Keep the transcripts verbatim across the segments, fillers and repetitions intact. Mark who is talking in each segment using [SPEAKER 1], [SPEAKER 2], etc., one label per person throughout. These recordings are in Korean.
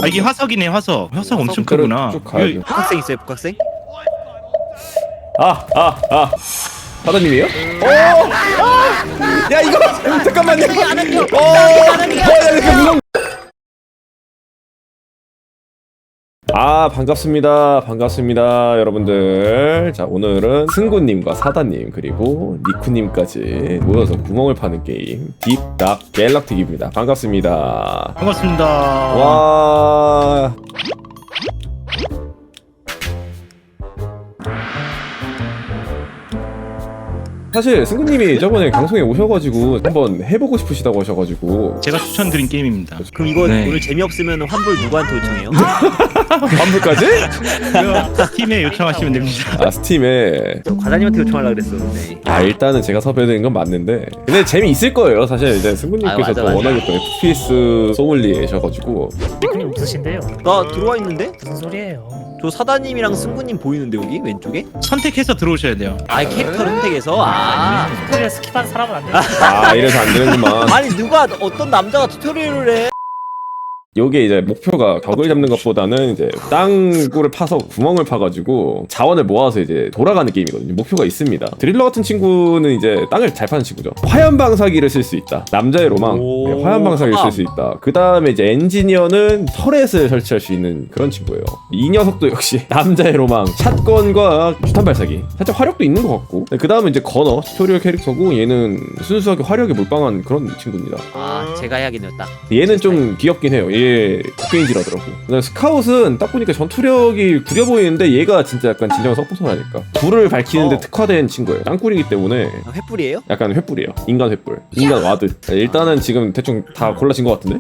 [SPEAKER 1] 아 이게 화석이네 화석. 화석 엄청
[SPEAKER 2] 그래,
[SPEAKER 1] 크구나.
[SPEAKER 2] 쭉 가야 돼.
[SPEAKER 3] 복학생 있어요 복학생?
[SPEAKER 2] 아, 아, 아. 사장님이에요? 오! 아! 야, 이거! 잠깐만요! 어! 어, 야, 이렇게 무서운. 아, 반갑습니다. 반갑습니다. 여러분들. 자, 오늘은 승구님과 사다님, 그리고 니쿠님까지 모여서 구멍을 파는 게임, 딥닥 갤럭틱입니다. 반갑습니다.
[SPEAKER 1] 반갑습니다.
[SPEAKER 2] 와. 사실 승구님이 저번에 방송에 오셔가지고 한번 해보고 싶으시다고 하셔가지고
[SPEAKER 1] 제가 추천드린 게임입니다.
[SPEAKER 3] 그럼 이거
[SPEAKER 1] 네.
[SPEAKER 3] 오늘 재미없으면 환불 누구한테 요청해요?
[SPEAKER 2] 환불까지?
[SPEAKER 1] 이거 스팀에 요청하시면 됩니다.
[SPEAKER 2] 아, 스팀에.
[SPEAKER 3] 저 과장님한테 요청하려고 그랬었는데.
[SPEAKER 2] 아, 일단은 제가 섭외된 건 맞는데 근데 재미있을 거예요. 사실 이제 승구님께서
[SPEAKER 3] 아, 맞아,
[SPEAKER 2] 또
[SPEAKER 3] 맞아.
[SPEAKER 2] 워낙에 또 에프피에스 소믈리에셔가지고.
[SPEAKER 4] 니꾸님 없으신데요?
[SPEAKER 3] 나 들어와 있는데?
[SPEAKER 4] 무슨 소리예요?
[SPEAKER 3] 저 사다님이랑 승구님 보이는데 여기 왼쪽에?
[SPEAKER 1] 선택해서 들어오셔야 돼요.
[SPEAKER 3] 아 캐릭터 선택해서 아
[SPEAKER 4] 튜토리얼 스킵한 사람은 안 돼요.
[SPEAKER 2] 아, 이래서 안 되는구만.
[SPEAKER 3] 아니 누가 어떤 남자가 튜토리얼을 해?
[SPEAKER 2] 요게 이제 목표가 벽을 잡는 것보다는 이제 땅굴을 파서 구멍을 파가지고 자원을 모아서 이제 돌아가는 게임이거든요. 목표가 있습니다. 드릴러 같은 친구는 이제 땅을 잘 파는 친구죠. 화염 방사기를 쓸 수 있다. 남자의 로망. 네, 화염 방사기를 쓸 수 있다. 그 다음에 이제 엔지니어는 터렛을 설치할 수 있는 그런 친구예요. 이 녀석도 역시 남자의 로망. 샷건과 주탄 발사기. 살짝 화력도 있는 것 같고. 그 다음에 이제 건어 튜토리얼 캐릭터고 얘는 순수하게 화력에 몰빵한 그런 친구입니다.
[SPEAKER 3] 아 제가 해야겠네요 딱.
[SPEAKER 2] 얘는 좀 귀엽긴 해요. 얘 국게인지라더라고. 그다음에 스카웃은 딱 보니까 전투력이 구려 보이는데 얘가 진짜 약간 진정한 서포터라니까. 불을 밝히는데
[SPEAKER 3] 어.
[SPEAKER 2] 특화된 친구예요. 땅굴이기 때문에
[SPEAKER 3] 아, 횃불이에요?
[SPEAKER 2] 약간 횃불이에요. 인간 횃불. 인간 와드. 일단은 지금 대충 다 골라진 것 같은데?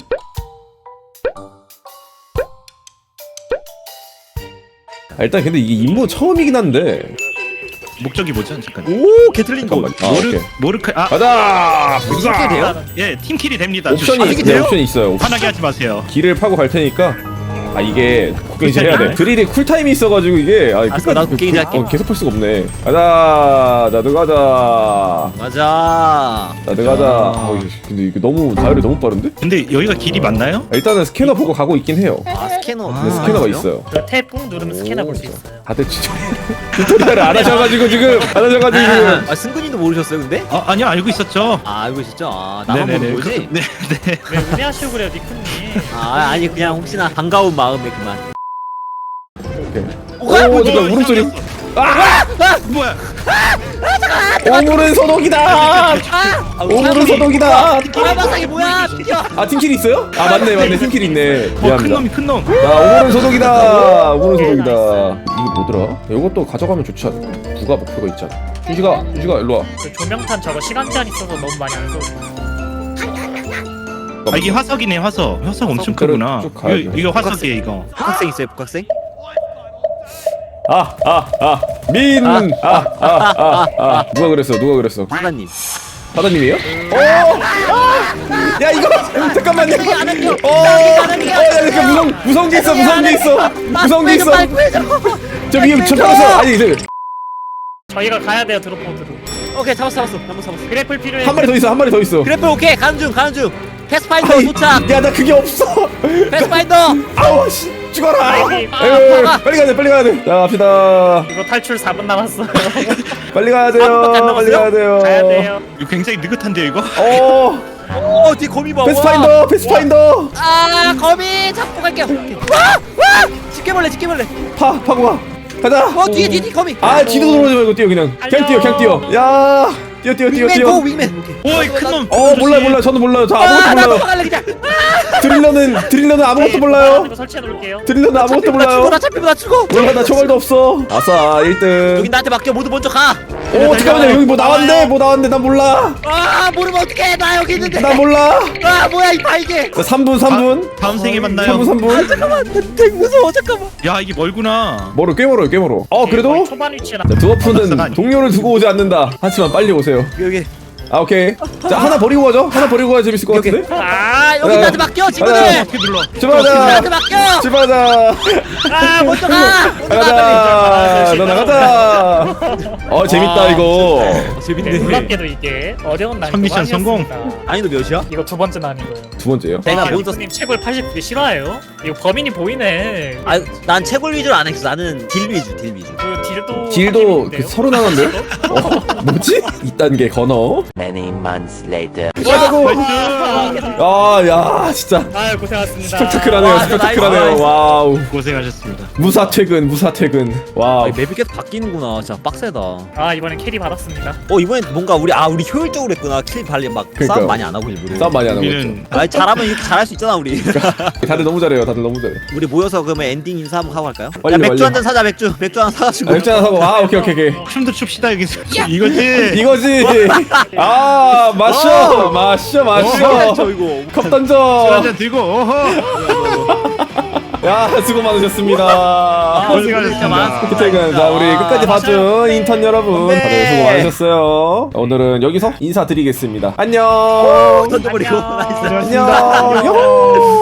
[SPEAKER 2] 아, 일단 근데 이게 임무 처음이긴 한데.
[SPEAKER 1] 목적이 뭐죠? 잠깐.
[SPEAKER 3] 오 개틀린 거.
[SPEAKER 2] 잠깐만. 아,
[SPEAKER 1] 모르
[SPEAKER 2] 오케이.
[SPEAKER 1] 모르카 아
[SPEAKER 2] 가자!
[SPEAKER 3] 이렇게 돼요?
[SPEAKER 1] 예 팀킬이 됩니다.
[SPEAKER 2] 옵션이
[SPEAKER 3] 아, 이게
[SPEAKER 2] 있어요.
[SPEAKER 3] 돼요?
[SPEAKER 2] 옵션이 있어요.
[SPEAKER 1] 화나게 하지 마세요.
[SPEAKER 2] 길을 파고 갈 테니까. 아, 이게 국게인지 해야 돼.
[SPEAKER 1] 쿨타임이네.
[SPEAKER 2] 드릴이 쿨타임이 있어가지고 이게 아,
[SPEAKER 3] 알았어, 나도 국게인지 할게.
[SPEAKER 2] 어, 계속 할 수가 없네. 가자, 나도 가자.
[SPEAKER 3] 맞아.
[SPEAKER 2] 나도 가자. 어, 이거- 근데 이게 너무 다이어리 너무 빠른데?
[SPEAKER 1] 근데 여기가 길이 맞나요?
[SPEAKER 2] 아, 일단은 스캐너 보고 가고 있긴 해요.
[SPEAKER 3] 아 스캐너.
[SPEAKER 2] 근데 스캐너가 있어요.
[SPEAKER 4] 그탭꾹 누르면 스캐너 볼 수 있어요.
[SPEAKER 2] 다들 진짜 튜토리얼을 안 하셔가지고 지금 안 하셔가지고 지금.
[SPEAKER 3] 아 승구님도 모르셨어요 근데?
[SPEAKER 1] 아 아니요 알고 있었죠.
[SPEAKER 3] 아 알고 있었죠. 아 나만
[SPEAKER 1] 네네네.
[SPEAKER 3] 모르는 거지?
[SPEAKER 1] 그- 네 네.
[SPEAKER 4] 왜 음해하시고 그래요, 니꾸님?
[SPEAKER 3] 아 아니 그냥 혹시나 반가운 마음에 그만.
[SPEAKER 2] 오, 잠깐 울음 소리.
[SPEAKER 1] 뭐야?
[SPEAKER 2] 오물은 소독이다.
[SPEAKER 3] 아,
[SPEAKER 2] 오물은 소독이다.
[SPEAKER 3] 바람바삭이 뭐야? 튀겨.
[SPEAKER 2] 아, 팀킬 있어요? 아, 맞네, 맞네, 팀킬 있네.
[SPEAKER 1] 어큰
[SPEAKER 2] 미안합니다.
[SPEAKER 1] 놈이 큰 놈.
[SPEAKER 2] 자, 오물은 소독이다. 오물은 소독이다. 이게 뭐더라? 이것도 가져가면 좋지 않을까? 부가 목표가 있잖아. 준식아, 준식아, 일로 와.
[SPEAKER 4] 그 조명탄 저거 시간 제한 있어서 너무 많이 안 써.
[SPEAKER 1] 아 이게 화석이네 화석. 화석 엄청
[SPEAKER 2] 그래,
[SPEAKER 1] 크구나.
[SPEAKER 2] 쭉 가야
[SPEAKER 1] 이거,
[SPEAKER 2] 돼.
[SPEAKER 1] 이거 화석이에요 이거.
[SPEAKER 3] 복학생 있어요 복학생?
[SPEAKER 2] 아, 아, 아, 민, 아, 아, 아, 아, 누가 그랬어, 누가 그랬어?
[SPEAKER 3] 사다님.
[SPEAKER 2] 사장님이에요? 오, 아, 야 이거 잠깐만요. 어, 어, 야 이렇게 무서운 무서운 게 있어, 무서운 게 있어, 무서운 게 있어. 저 위에 저 타서 아니 저,
[SPEAKER 4] 저희가 가야 돼요, 드롭보드로.
[SPEAKER 3] 오케이 잡았어 잡았어 한번 잡았어.
[SPEAKER 4] 그래플 필요해.
[SPEAKER 2] 한 마리 더 있어, 한 마리 더 있어.
[SPEAKER 3] 그래프 오케이 가는 중 가는 중. 패스파인더
[SPEAKER 2] 아이,
[SPEAKER 3] 도착.
[SPEAKER 2] 야 나 그게 없어.
[SPEAKER 3] 패스파인더.
[SPEAKER 2] 아우 씨, 죽어라.
[SPEAKER 4] 아이,
[SPEAKER 3] 아,
[SPEAKER 2] 에휴,
[SPEAKER 3] 아파가.
[SPEAKER 2] 빨리 가야 돼, 빨리 가야 돼. 자 갑시다.
[SPEAKER 4] 이거 탈출 사 분 남았어요.
[SPEAKER 2] 빨리 가야 돼요.
[SPEAKER 3] 아무것도 안
[SPEAKER 2] 빨리
[SPEAKER 3] 남았어요?
[SPEAKER 2] 가야 돼요.
[SPEAKER 4] 가야 돼요.
[SPEAKER 1] 이거 굉장히 느긋한데요 이거.
[SPEAKER 2] 어,
[SPEAKER 3] 오 뒤에 거미 봐.
[SPEAKER 2] 패스파인더, 패스파인더.
[SPEAKER 3] 아 거미 잡고 갈게요. 와와 집게벌레 집게벌레.
[SPEAKER 2] 파, 파고 가. 가자.
[SPEAKER 3] 어 뒤에 뒤에 뒤에 거미.
[SPEAKER 2] 아 뒤도 돌아오지 말고 뛰어 그냥. 그냥 뛰어, 그냥 뛰어. 야, 뛰어, 뛰어, 뛰어,
[SPEAKER 3] 윙맨
[SPEAKER 2] 뛰어.
[SPEAKER 3] 고 윙맨.
[SPEAKER 1] 오이 큰 놈.
[SPEAKER 2] 어 몰라요, 몰라요. 저는 몰라요. 저
[SPEAKER 3] 아
[SPEAKER 2] 아무것도
[SPEAKER 3] 나도
[SPEAKER 2] 몰라요.
[SPEAKER 3] 가갈래 그냥.
[SPEAKER 2] 드릴러는 드릴러는 아무것도
[SPEAKER 4] 네,
[SPEAKER 2] 몰라요.
[SPEAKER 4] 이거 설치해 놓을게요.
[SPEAKER 2] 드릴러는 아무것도
[SPEAKER 3] 나 죽어
[SPEAKER 2] 몰라요.
[SPEAKER 3] 나 잡히면 나 죽어.
[SPEAKER 2] 몰라 나 총알도 없어. 아싸 일 등.
[SPEAKER 3] 여기 나한테 맡겨 모두 먼저 가.
[SPEAKER 2] 오 잠깐만요 여기 뭐 나왔는데 뭐 나왔는데 난 몰라.
[SPEAKER 3] 아 모르면 어떡해 나 여기 있는데.
[SPEAKER 2] 나 몰라.
[SPEAKER 3] 아 뭐야 이 발개.
[SPEAKER 2] 자, 삼 분 삼 분.
[SPEAKER 1] 아, 다음 생에 만나요.
[SPEAKER 2] 삼 분 삼 분.
[SPEAKER 3] 잠깐만 나 되게 무서워 잠깐만.
[SPEAKER 1] 야 이게 멀구나.
[SPEAKER 2] 멀어 꽤 멀어요 꽤 멀어. 어
[SPEAKER 4] 거의
[SPEAKER 2] 그래도
[SPEAKER 4] 초반 위치에 나.
[SPEAKER 2] 자, 드워프는 동료를 두고 오지 않는다. 하지만 빨리 오세요.
[SPEAKER 3] 여기
[SPEAKER 2] 아 오케이. 자 하나 버리고 가죠. 하나 버리고 가야 재밌을 것 같은데.
[SPEAKER 3] 아 여기
[SPEAKER 2] 야,
[SPEAKER 3] 나한테 맡겨
[SPEAKER 2] 야,
[SPEAKER 3] 친구들.
[SPEAKER 1] 어떻게 눌러?
[SPEAKER 2] 출발하자.
[SPEAKER 3] 나한테 맡겨.
[SPEAKER 2] 출발하자.
[SPEAKER 3] 아 먼저 가. 먼저 가 빨리.
[SPEAKER 2] 가자. 너 나가자. 어 재밌다 이거.
[SPEAKER 4] 네,
[SPEAKER 3] 재밌네.
[SPEAKER 4] 놀랍게도 이게 어려운 난이도가
[SPEAKER 1] 미션 성공.
[SPEAKER 4] 아니었습니다.
[SPEAKER 3] 아니 너 몇이야?
[SPEAKER 4] 이거 두 번째 난이도예요.
[SPEAKER 2] 두 번째요.
[SPEAKER 3] 내가
[SPEAKER 4] 아,
[SPEAKER 3] 먼저.
[SPEAKER 4] 님 채굴 팔십 개 싫어해요? 이거 범인이 보이네.
[SPEAKER 3] 아난 채굴 위주로 안 했어. 나는 딜 위주 딜 위주.
[SPEAKER 4] 그 딜도
[SPEAKER 2] 딜도 그 서로 나갔네. 어 뭐지? 이 단계 건어.
[SPEAKER 5] Many months later.
[SPEAKER 2] 가자고. 아야 진짜
[SPEAKER 4] 아유 고생하셨습니다.
[SPEAKER 2] 스펙타클하네요.
[SPEAKER 3] 와,
[SPEAKER 2] 스펙타클하네요.
[SPEAKER 3] 나이스, 나이스.
[SPEAKER 2] 와우.
[SPEAKER 1] 고생하셨습니다.
[SPEAKER 2] 무사 퇴근. 무사 퇴근. 와.
[SPEAKER 3] 아, 맵이 계속 바뀌는구나. 진짜 빡세다. 어
[SPEAKER 4] 아 이번엔 캐리 받았습니다.
[SPEAKER 3] 이번엔 뭔가 우리 아 우리 효율적으로 했구나. 킬 발리 막
[SPEAKER 2] 그러니까요.
[SPEAKER 3] 싸움 많이 안 하고 일부러.
[SPEAKER 2] 싸움 많이 안 하고 있죠.
[SPEAKER 1] 우리는
[SPEAKER 3] 아 잘하면 이렇게 잘할 수 있잖아 우리.
[SPEAKER 2] 다들 너무 잘해요. 다들 너무 잘해.
[SPEAKER 3] 우리 모여서 그러면 엔딩 인사 한번 하고 갈까요?
[SPEAKER 2] 빨리,
[SPEAKER 3] 야 맥주
[SPEAKER 2] 빨리.
[SPEAKER 3] 한 잔 사자 맥주. 맥주 하나 사가지고.
[SPEAKER 2] 아, 맥주 하나 사고. 아 오케이 오케이 오케이.
[SPEAKER 1] 춤도 춥시다 여기서. 이거지.
[SPEAKER 2] 이거지. 아 마셔 마셔 마셔.
[SPEAKER 3] 저 이거.
[SPEAKER 2] 컵 던져.
[SPEAKER 1] 한잔 들고. 어허.
[SPEAKER 2] 야 수고 많으셨습니다.
[SPEAKER 3] 아,
[SPEAKER 1] 고생하셨습니다.
[SPEAKER 2] 퇴근. 자 우리 끝까지 봐준 인턴 여러분
[SPEAKER 3] 네.
[SPEAKER 2] 다들 수고 많으셨어요. 오늘은 여기서 인사드리겠습니다. 안녕.
[SPEAKER 3] 던져버리고.
[SPEAKER 4] 안녕.
[SPEAKER 3] 나이스.
[SPEAKER 2] 안녕. 요호.